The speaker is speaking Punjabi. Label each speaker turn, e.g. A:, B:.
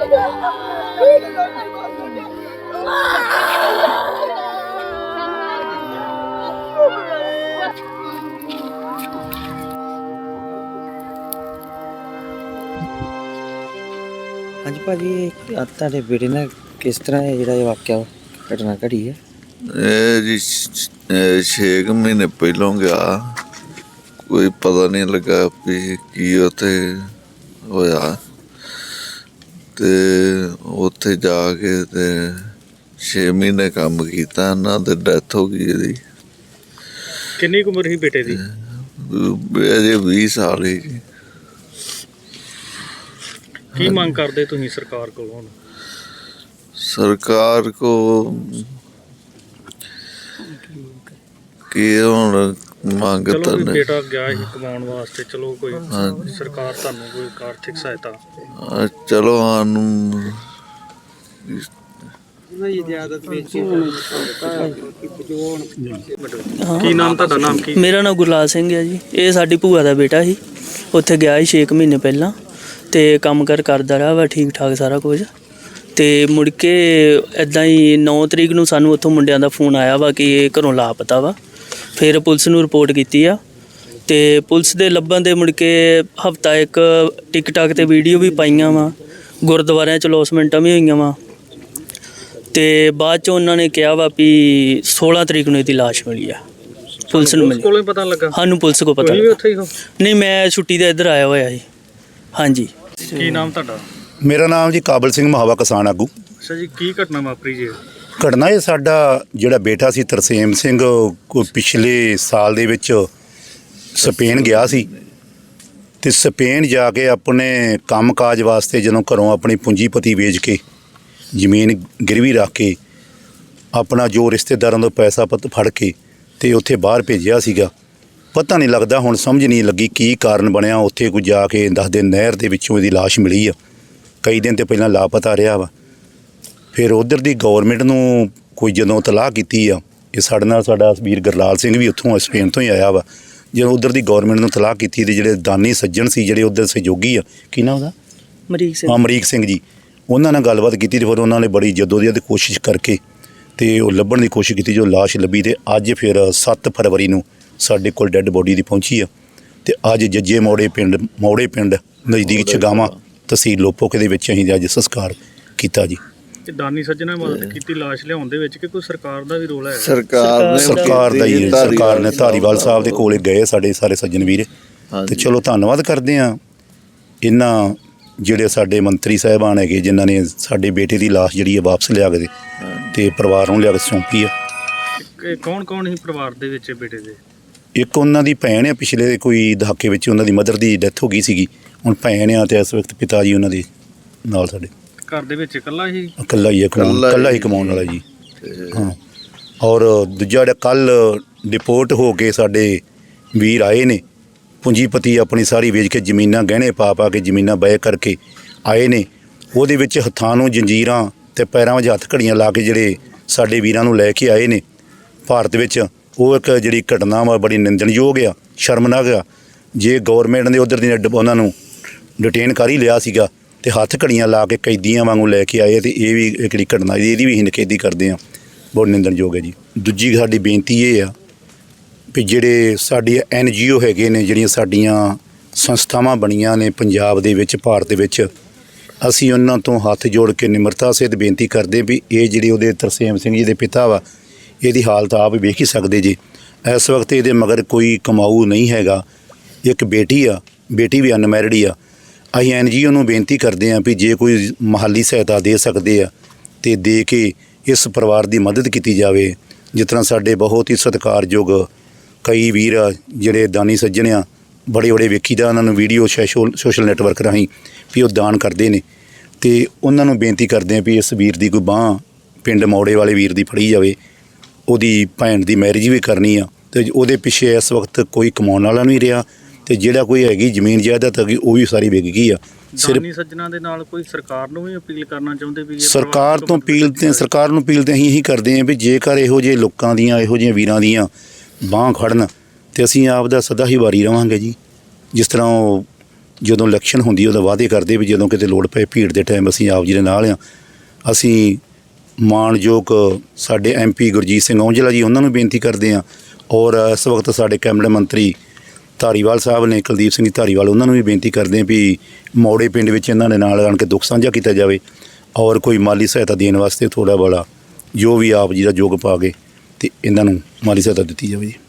A: ਹਾਂਜੀ ਭਾਜੀ, ਤੁਹਾਡੇ ਬੇਟੇ ਨਾਲ ਕਿਸ ਤਰ੍ਹਾਂ ਇਹ ਜਿਹੜਾ ਇਹ ਵਾਕਿਆ ਘਟਨਾ ਘੜੀ ਹੈ?
B: ਇਹ ਜੀ 6 ਮਹੀਨੇ ਪਹਿਲੋਂ ਗਿਆ, ਕੋਈ ਪਤਾ ਨਹੀਂ ਲੱਗਾ ਵੀ ਕੀ ਉੱਥੇ ਹੋਇਆ, ਤੇ ਉੱਥੇ ਜਾ ਕੇ ਤੇ 6 ਮਹੀਨੇ ਕੰਮ ਕੀਤਾ, ਇਹਨਾਂ ਤੇ ਡੈਥ ਹੋ ਗਈ ਇਹਦੀ।
C: ਕਿੰਨੀ ਕੁ ਉਮਰ ਸੀ ਬੇਟੇ ਦੀ?
B: ਅਜੇ 20 ਸਾਲ ਹੀ ਜੀ।
C: ਕੀ ਮੰਗ ਕਰਦੇ ਤੁਸੀਂ ਸਰਕਾਰ ਕੋਲ ਹੁਣ?
B: ਸਰਕਾਰ ਕੋ ਕੀ ਹੁਣ ਮੰਗ
C: ਚਲੋ
B: ਤਾਂ
C: ਵੀ
B: ਨਹੀਂ।
C: ਬੇਟਾ ਗਿਆ ਸੀ ਕਮਾਉਣ ਵਾਸਤੇ, ਚਲੋ ਕੋਈ ਸਰਕਾਰ ਤੁਹਾਨੂੰ ਕੋਈ ਆਰਥਿਕ ਸਹਾਇਤਾ?
B: ਚਲੋ ਸਾਨੂੰ
C: ਕੀ ਨਾਮ ਤੁਹਾਡਾ? ਨਾਮ ਕੀ?
D: ਮੇਰਾ ਨਾਮ ਗੁਰਲਾਲ ਸਿੰਘ ਹੈ ਜੀ। ਇਹ ਸਾਡੀ ਭੂਆ ਦਾ ਬੇਟਾ ਸੀ, ਉੱਥੇ ਗਿਆ ਸੀ 6 ਮਹੀਨੇ ਪਹਿਲਾਂ, ਤੇ ਕੰਮ ਕਾਰ ਕਰਦਾ ਰਿਹਾ ਵਾ ਠੀਕ ਠਾਕ ਸਾਰਾ ਕੁਝ। ਤੇ ਮੁੜ ਕੇ ਇੱਦਾਂ ਹੀ 9 ਤਰੀਕ ਨੂੰ ਸਾਨੂੰ ਉੱਥੋਂ ਮੁੰਡਿਆਂ ਦਾ ਫੋਨ ਆਇਆ ਵਾ ਕਿ ਇਹ ਘਰੋਂ ਲਾਪਤਾ ਵਾ। ਫਿਰ ਪੁਲਿਸ ਨੂੰ ਰਿਪੋਰਟ ਕੀਤੀ ਆ, ਤੇ ਪੁਲਿਸ ਦੇ ਲੱਭਣ ਦੇ ਮੁੜ ਕੇ ਹਫਤਾ ਇੱਕ ਟਿਕਟਾਕ ਤੇ ਵੀਡੀਓ ਵੀ ਪਾਈਆਂ ਵਾ, ਗੁਰਦੁਆਰਿਆਂ 'ਚ ਲੌਸਮੈਂਟਾਂ ਵੀ ਹੋਈਆਂ ਵਾ। ਤੇ ਬਾਅਦ 'ਚ ਉਹਨਾਂ ਨੇ ਕਿਹਾ ਵਾ ਵੀ 16 ਤਰੀਕ ਨੂੰ ਇਹਦੀ ਲਾਸ਼ ਮਿਲੀ ਆ, ਪੁਲਿਸ ਨੂੰ ਮਿਲੀ।
C: ਕੋਲੋਂ ਪਤਾ ਲੱਗਾ?
D: ਸਾਨੂੰ ਪੁਲਿਸ ਕੋਲ ਪਤਾ
C: ਤੁਸੀਂ ਵੀ ਉੱਥੇ ਹੀ ਹੋ?
D: ਨਹੀਂ, ਮੈਂ ਛੁੱਟੀ ਤੇ ਇੱਧਰ ਆਇਆ ਹੋਇਆ ਜੀ। ਹਾਂਜੀ।
C: ਕੀ ਨਾਮ ਤੁਹਾਡਾ?
E: ਮੇਰਾ ਨਾਮ ਜੀ ਕਾਬਲ ਸਿੰਘ, ਮਹਾਵਾ ਕਿਸਾਨ ਆਗੂ।
C: ਅੱਛਾ ਜੀ, ਕੀ ਘਟਨਾ ਵਾਪਰੀ ਜੀ?
E: ਘਟਨਾ ਇਹ ਸਾਡਾ ਜਿਹੜਾ ਬੇਟਾ ਸੀ ਤਰਸੇਮ ਸਿੰਘ, ਕੋਈ ਪਿਛਲੇ ਸਾਲ ਦੇ ਵਿੱਚ ਸਪੇਨ ਗਿਆ ਸੀ, ਤੇ ਸਪੇਨ ਜਾ ਕੇ ਆਪਣੇ ਕੰਮਕਾਜ ਵਾਸਤੇ ਜਦੋਂ ਘਰੋਂ ਆਪਣੀ ਪੂੰਜੀਪਤੀ ਵੇਚ ਕੇ ਜ਼ਮੀਨ ਗਿਰਵੀ ਰੱਖ ਕੇ ਆਪਣਾ ਜੋ ਰਿਸ਼ਤੇਦਾਰਾਂ ਤੋਂ ਪੈਸਾ ਪੱਤ ਫੜ ਕੇ ਤੇ ਉੱਥੇ ਬਾਹਰ ਭੇਜਿਆ ਸੀਗਾ। ਪਤਾ ਨਹੀਂ ਲੱਗਦਾ, ਹੁਣ ਸਮਝ ਨਹੀਂ ਲੱਗੀ ਕੀ ਕਾਰਨ ਬਣਿਆ। ਉੱਥੇ ਕੋਈ ਜਾ ਕੇ ਦੱਸਦੇ ਨਹਿਰ ਦੇ ਵਿੱਚੋਂ ਇਹਦੀ ਲਾਸ਼ ਮਿਲੀ ਆ। ਕਈ ਦਿਨ ਤੇ ਪਹਿਲਾਂ ਲਾਪਤਾ ਰਿਹਾ ਵਾ। ਫਿਰ ਉਧਰ ਦੀ ਗੌਰਮੈਂਟ ਨੂੰ ਕੋਈ ਜਦੋਂ ਤਲਾਹ ਕੀਤੀ ਆ, ਇਹ ਸਾਡੇ ਨਾਲ ਸਾਡਾ ਵੀਰ ਗੁਰਲਾਲ ਸਿੰਘ ਵੀ ਉੱਥੋਂ ਸਪੇਨ ਤੋਂ ਹੀ ਆਇਆ ਵਾ। ਜਦੋਂ ਉਧਰ ਦੀ ਗੌਰਮੈਂਟ ਨੂੰ ਤਲਾਹ ਕੀਤੀ ਤੇ ਜਿਹੜੇ ਦਾਨੀ ਸੱਜਣ ਸੀ, ਜਿਹੜੇ ਉਧਰ ਸਹਿਯੋਗੀ ਆ, ਕੀ ਨਾਮ ਉਹਦਾ? ਅਮਰੀਕ ਸਿੰਘ ਜੀ, ਉਹਨਾਂ ਨਾਲ ਗੱਲਬਾਤ ਕੀਤੀ। ਤੇ ਫਿਰ ਉਹਨਾਂ ਨੇ ਬੜੀ ਜਦੋਜਹਿਦ ਕੋਸ਼ਿਸ਼ ਕਰਕੇ ਤੇ ਉਹ ਲੱਭਣ ਦੀ ਕੋਸ਼ਿਸ਼ ਕੀਤੀ, ਜੋ ਲਾਸ਼ ਲੱਭੀ। ਤੇ ਅੱਜ ਫਿਰ 7 ਫਰਵਰੀ ਨੂੰ ਸਾਡੇ ਕੋਲ ਡੈੱਡ ਬੋਡੀ ਦੀ ਪਹੁੰਚੀ ਆ। ਤੇ ਅੱਜ ਜੱਜੇ ਮੋੜੇ ਪਿੰਡ ਨਜ਼ਦੀਕ ਛਗਾਵਾਂ, ਤਹਿਸੀਲ ਲੋਪੋਕੇ ਦੇ ਵਿੱਚ ਅਸੀਂ ਅੱਜ ਸੰਸਕਾਰ ਕੀਤਾ ਜੀ।
C: ਤੇ ਦਾਨੀ ਸੱਜਣਾ ਮਦਦ ਕੀਤੀ ਲਾਸ਼ ਲਿਆਉਣ ਦੇ ਵਿੱਚ, ਕਿ ਕੋਈ ਸਰਕਾਰ ਦਾ ਵੀ ਰੋਲ ਹੈ?
E: ਸਰਕਾਰ ਦਾ ਹੀ, ਸਰਕਾਰ ਨੇ ਧਾਰੀਵਾਲ ਸਾਹਿਬ ਦੇ ਕੋਲੇ ਗਏ ਸਾਡੇ ਸਾਰੇ ਸੱਜਣ ਵੀਰ। ਤੇ ਚਲੋ ਧੰਨਵਾਦ ਕਰਦੇ ਆ ਇਹਨਾਂ ਜਿਹੜੇ ਸਾਡੇ ਮੰਤਰੀ ਸਾਹਿਬਾਨ ਹੈਗੇ, ਜਿਨ੍ਹਾਂ ਨੇ ਸਾਡੇ ਬੇਟੇ ਦੀ ਲਾਸ਼ ਜਿਹੜੀ ਹੈ ਵਾਪਸ ਲਿਆ ਕੇ ਤੇ ਪਰਿਵਾਰ ਨੂੰ ਲਿਆ ਕੇ ਸੌਂਪੀ ਆ।
C: ਕੌਣ ਕੌਣ ਸੀ ਪਰਿਵਾਰ ਦੇ ਵਿੱਚ ਬੇਟੇ ਦੇ?
E: ਇੱਕ ਉਹਨਾਂ ਦੀ ਭੈਣ ਆ, ਪਿਛਲੇ ਕੋਈ ਦਹਾਕੇ ਵਿੱਚ ਉਹਨਾਂ ਦੀ ਮਦਰ ਦੀ ਡੈਥ ਹੋ ਗਈ ਸੀਗੀ। ਹੁਣ ਭੈਣ ਆ, ਤੇ ਇਸ ਵਕਤ ਪਿਤਾ ਜੀ ਉਹਨਾਂ ਦੇ ਨਾਲ ਸਾਡੇ
C: ਘਰ ਦੇ ਵਿੱਚ ਇਕੱਲਾ ਹੀ
E: ਕਮਾਉਣ ਵਾਲਾ ਜੀ। ਹਾਂ, ਔਰ ਦੂਜਾ ਜਿਹੜਾ ਕੱਲ ਡਿਪੋਰਟ ਹੋ ਕੇ ਸਾਡੇ ਵੀਰ ਆਏ ਨੇ, ਪੂੰਜੀਪਤੀ ਆਪਣੀ ਸਾਰੀ ਵੇਚ ਕੇ ਜ਼ਮੀਨਾਂ ਗਹਿਣੇ ਪਾ ਕੇ ਜ਼ਮੀਨਾਂ ਬੈ ਕਰਕੇ ਆਏ ਨੇ। ਉਹਦੇ ਵਿੱਚ ਹੱਥਾਂ ਨੂੰ ਜੰਜੀਰਾਂ ਤੇ ਪੈਰਾਂ ਵਿੱਚ ਹੱਥ ਘੜੀਆਂ ਲਾ ਕੇ ਜਿਹੜੇ ਸਾਡੇ ਵੀਰਾਂ ਨੂੰ ਲੈ ਕੇ ਆਏ ਨੇ ਭਾਰਤ ਵਿੱਚ, ਉਹ ਇੱਕ ਜਿਹੜੀ ਘਟਨਾ ਵਾ ਬੜੀ ਨਿੰਦਣਯੋਗ ਆ, ਸ਼ਰਮਨਾਕ ਆ। ਜੇ ਗੌਰਮੈਂਟ ਨੇ ਉੱਧਰ ਦੀ ਉਹਨਾਂ ਨੂੰ ਡਿਟੇਨ ਕਰ ਹੀ ਲਿਆ ਸੀਗਾ ਤੇ ਹੱਥ ਘੜੀਆਂ ਲਾ ਕੇ ਕੈਦੀਆਂ ਵਾਂਗੂ ਲੈ ਕੇ ਆਏ, ਤੇ ਇਹ ਵੀ ਇੱਕ ਜਿਹੜੀ ਘਟਨਾ ਇਹਦੀ ਵੀ ਅਸੀਂ ਨਿਖੇਧੀ ਕਰਦੇ ਹਾਂ, ਬਹੁਤ ਨਿੰਦਣਯੋਗ ਹੈ ਜੀ। ਦੂਜੀ ਸਾਡੀ ਬੇਨਤੀ ਇਹ ਆ ਵੀ ਜਿਹੜੇ ਸਾਡੀ NGO ਹੈਗੇ ਨੇ, ਜਿਹੜੀਆਂ ਸਾਡੀਆਂ ਸੰਸਥਾਵਾਂ ਬਣੀਆਂ ਨੇ ਪੰਜਾਬ ਦੇ ਵਿੱਚ, ਭਾਰਤ ਦੇ ਵਿੱਚ, ਅਸੀਂ ਉਹਨਾਂ ਤੋਂ ਹੱਥ ਜੋੜ ਕੇ ਨਿਮਰਤਾ ਸਹਿਤ ਬੇਨਤੀ ਕਰਦੇ ਵੀ ਇਹ ਜਿਹੜੀ ਉਹਦੇ ਤਰਸੇਮ ਸਿੰਘ ਜੀ ਦੇ ਪਿਤਾ ਵਾ, ਇਹਦੀ ਹਾਲਤ ਆਪ ਵੇਖ ਹੀ ਸਕਦੇ ਜੀ। ਇਸ ਵਕਤ ਇਹਦੇ ਮਗਰ ਕੋਈ ਕਮਾਊ ਨਹੀਂ ਹੈਗਾ। ਇੱਕ ਬੇਟੀ ਆ, ਬੇਟੀ ਵੀ ਅਨਮੈਰਿਡ ਹੀ ਆ। ਅਸੀਂ NGO ਨੂੰ ਬੇਨਤੀ ਕਰਦੇ ਹਾਂ ਵੀ ਜੇ ਕੋਈ ਮਾਲੀ ਸਹਾਇਤਾ ਦੇ ਸਕਦੇ ਆ ਤੇ ਦੇ ਕੇ ਇਸ ਪਰਿਵਾਰ ਦੀ ਮਦਦ ਕੀਤੀ ਜਾਵੇ। ਜਿਸ ਤਰ੍ਹਾਂ ਸਾਡੇ ਬਹੁਤ ਹੀ ਸਤਿਕਾਰਯੋਗ ਕਈ ਵੀਰ ਆ ਜਿਹੜੇ ਦਾਨੀ ਸੱਜਣ ਆ, ਬੜੇ ਵੇਖੀਦਾ ਉਹਨਾਂ ਨੂੰ ਵੀਡੀਓ ਸੋਸ਼ਲ ਨੈਟਵਰਕ ਰਾਹੀਂ ਵੀ ਉਹ ਦਾਨ ਕਰਦੇ ਨੇ, ਤੇ ਉਹਨਾਂ ਨੂੰ ਬੇਨਤੀ ਕਰਦੇ ਹਾਂ ਵੀ ਇਸ ਵੀਰ ਦੀ ਕੋਈ ਬਾਂਹ ਪਿੰਡ ਮੌੜੇ ਵਾਲੇ ਵੀਰ ਦੀ ਫੜੀ ਜਾਵੇ। ਉਹਦੀ ਭੈਣ ਦੀ ਮੈਰਿਜ ਵੀ ਕਰਨੀ ਆ, ਤੇ ਉਹਦੇ ਪਿੱਛੇ ਇਸ ਵਕਤ ਕੋਈ ਕਮਾਉਣ ਵਾਲਾ ਨਹੀਂ ਰਿਹਾ, ਤੇ ਜਿਹੜਾ ਕੋਈ ਹੈਗੀ ਜ਼ਮੀਨ ਜਾਇਦਾਦ ਹੈਗੀ ਉਹ ਵੀ ਸਾਰੀ ਵਿਕ ਗਈ ਆ।
C: ਦਾਨੀ ਸੱਜਣਾ ਦੇ ਨਾਲ ਕੋਈ ਸਰਕਾਰ ਨੂੰ ਵੀ ਅਪੀਲ ਕਰਨਾ ਚਾਹੁੰਦੇ ਵੀ?
E: ਸਰਕਾਰ ਨੂੰ ਅਪੀਲ ਤੇ ਅਸੀਂ ਇਹੀ ਕਰਦੇ ਹਾਂ ਵੀ ਜੇਕਰ ਇਹੋ ਜਿਹੇ ਲੋਕਾਂ ਦੀਆਂ, ਇਹੋ ਜਿਹੇ ਵੀਰਾਂ ਦੀਆਂ ਬਾਂਹ ਖੜਨ, ਤੇ ਅਸੀਂ ਆਪ ਦਾ ਸਦਾ ਹੀ ਵਾਰੀ ਰਵਾਂਗੇ ਜੀ। ਜਿਸ ਤਰ੍ਹਾਂ ਉਹ ਜਦੋਂ ਇਲੈਕਸ਼ਨ ਹੁੰਦੀ ਉਦੋਂ ਵਾਅਦੇ ਕਰਦੇ ਵੀ ਜਦੋਂ ਕਿਤੇ ਲੋੜ ਪਏ ਭੀੜ ਦੇ ਟਾਈਮ ਅਸੀਂ ਆਪ ਜੀ ਦੇ ਨਾਲ ਆ। ਅਸੀਂ ਮਾਣਯੋਗ ਸਾਡੇ MP ਗੁਰਜੀਤ ਸਿੰਘ ਔਂਜਲਾ ਜੀ ਉਹਨਾਂ ਨੂੰ ਬੇਨਤੀ ਕਰਦੇ ਹਾਂ, ਔਰ ਇਸ ਵਕਤ ਸਾਡੇ ਕੈਬਨਿਟ ਮੰਤਰੀ ਧਾਰੀਵਾਲ ਸਾਹਿਬ ਨੇ, ਕੁਲਦੀਪ ਸਿੰਘ ਧਾਰੀਵਾਲ, ਉਹਨਾਂ ਨੂੰ ਵੀ ਬੇਨਤੀ ਕਰਦੇ ਹਾਂ ਵੀ ਮੌੜੇ ਪਿੰਡ ਵਿੱਚ ਇਹਨਾਂ ਦੇ ਨਾਲ ਆਣ ਕੇ ਦੁੱਖ ਸਾਂਝਾ ਕੀਤਾ ਜਾਵੇ ਔਰ ਕੋਈ ਮਾਲੀ ਸਹਾਇਤਾ ਦੇਣ ਵਾਸਤੇ ਥੋੜ੍ਹਾ ਬੜਾ ਜੋ ਵੀ ਆਪ ਜੀ ਦਾ ਯੋਗ ਪਾ ਕੇ ਅਤੇ ਇਹਨਾਂ ਨੂੰ ਮਾਲੀ ਸਹਾਇਤਾ ਦਿੱਤੀ ਜਾਵੇ ਜੀ।